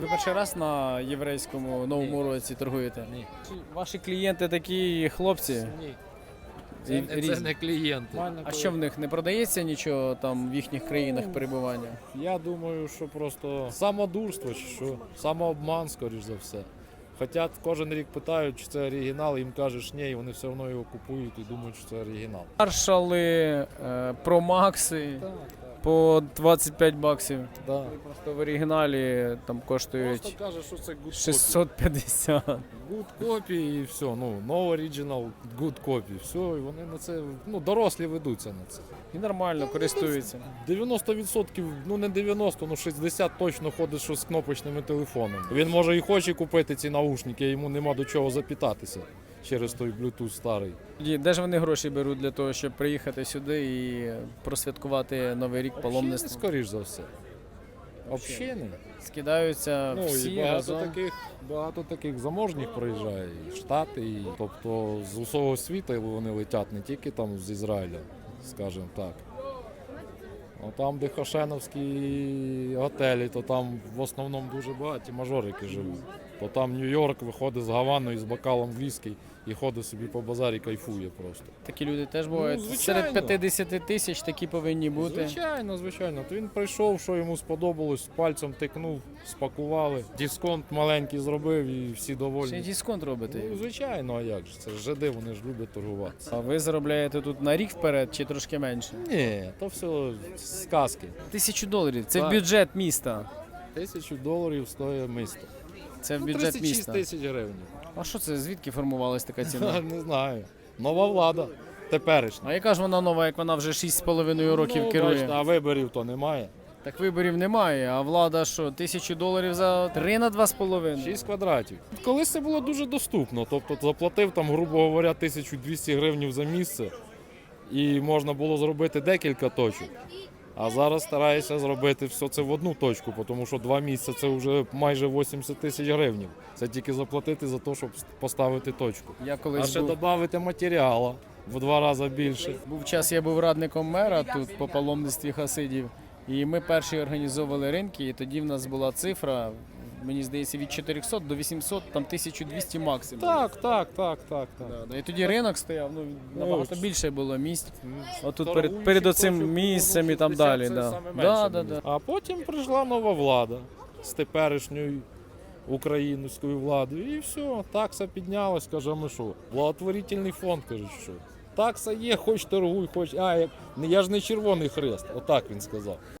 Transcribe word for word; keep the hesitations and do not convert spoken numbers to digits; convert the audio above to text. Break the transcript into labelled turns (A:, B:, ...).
A: Ви перший раз на єврейському новому році торгуєте?
B: Ні.
A: Чи ваші клієнти такі хлопці?
B: Ні.
A: І
B: Це,
A: різні?
B: це не клієнти.
A: А що в них не продається нічого там в їхніх країнах перебування?
B: Я думаю, що просто самодурство, чи що, самообман, скоріш за все. Хоча кожен рік питають, чи це оригінал, їм кажеш ні, і вони все одно його купують і думають, що це оригінал.
A: Маршали, е, Pro Maxи
B: Так,
A: по двадцять п'ять баксів.
B: так.
A: Просто в оригіналі там коштують
B: Просто каже, що це good copy.
A: шістсот п'ятдесят.
B: Good copy і все, ну, no original, good copy, все, і вони на це, ну, дорослі ведуться на це.
A: І нормально користуються.
B: дев'яносто відсотків, ну не дев'яносто, ну шістдесят точно ходить що з кнопочними телефонами. Він може і хоче купити ці наушники, йому нема до чого запітатися через той Bluetooth старий.
A: Тоді де ж вони гроші беруть для того, щоб приїхати сюди і просвяткувати Новий рік
B: Общини,
A: паломництвом?
B: скоріш за все. Общини.
A: Скидаються
B: Ну,
A: всі
B: і багато
A: разом.
B: таких, багато таких заможних приїжджає, і Штати, і, тобто з усього світу вони летять, не тільки там з Ізраїля, скажімо так. Ну, там, де хашеновські готелі, то там в основному дуже багаті мажорики живуть. То там Нью-Йорк виходить з Гаваною з бокалом віскі і ходить собі по базарі, кайфує просто.
A: Такі люди теж бувають.
B: Ну, звичайно.
A: Серед п'ятдесят тисяч такі повинні бути.
B: Звичайно, звичайно. То він прийшов, що йому сподобалось, пальцем тикнув, спакували. Дисконт маленький зробив і всі
A: Ще й
B: довольні.
A: дисконт робите.
B: Ну, звичайно, а як же? Це ж жиди, вони ж люблять торгуватися.
A: А ви заробляєте тут на рік вперед чи трошки менше?
B: Ні, то все сказки.
A: Тисячу доларів. Це в
B: Так.
A: бюджет міста.
B: Тисячу доларів стоїть місто.
A: Це в
B: Ну,
A: бюджет
B: тридцять шість
A: міста.
B: тисяч гривень.
A: А що це? Звідки формувалась така ціна?
B: Не знаю. Нова влада. Теперішня.
A: А яка ж вона нова, як вона вже шість з половиною років
B: Ну,
A: керує?
B: бачите, а виборів то немає.
A: Так виборів немає, а влада що, тисячу доларів за три на два з половиною?
B: шість квадратів. Колись це було дуже доступно. Тобто заплатив там, грубо говоря, тисячу двісті гривень за місце і можна було зробити декілька точок. А зараз стараюся зробити все це в одну точку, тому що два місця це вже майже вісімдесят тисяч гривень. Це тільки заплатити за те, щоб поставити точку.
A: Я
B: А
A: колись
B: ще
A: був,
B: додати матеріалу в два рази більше.
A: був час, я був радником мера тут по паломництві хасидів. І ми перші організовували ринки, і тоді в нас була цифра, мені здається, від чотирьохсот до вісімсот, там тисяча двісті максимум.
B: Так, так, так, так, так.
A: Да, да. І тоді ринок стояв, ну, набагато
B: Ну,
A: більше було місць. Отут
B: Торгуючих
A: перед, перед оцим
B: точок було,
A: місцем
B: ну,
A: і там
B: шістдесят
A: далі.
B: це
A: Да.
B: саме
A: Да,
B: менше
A: да,
B: було.
A: да.
B: А потім прийшла нова влада з теперішньою українською владою. І все, такса піднялась, каже, а ми що? Благотворительний фонд, каже, що. Такса є, хоч торгуй, хоч. А, як... я ж не Червоний Хрест, отак він сказав.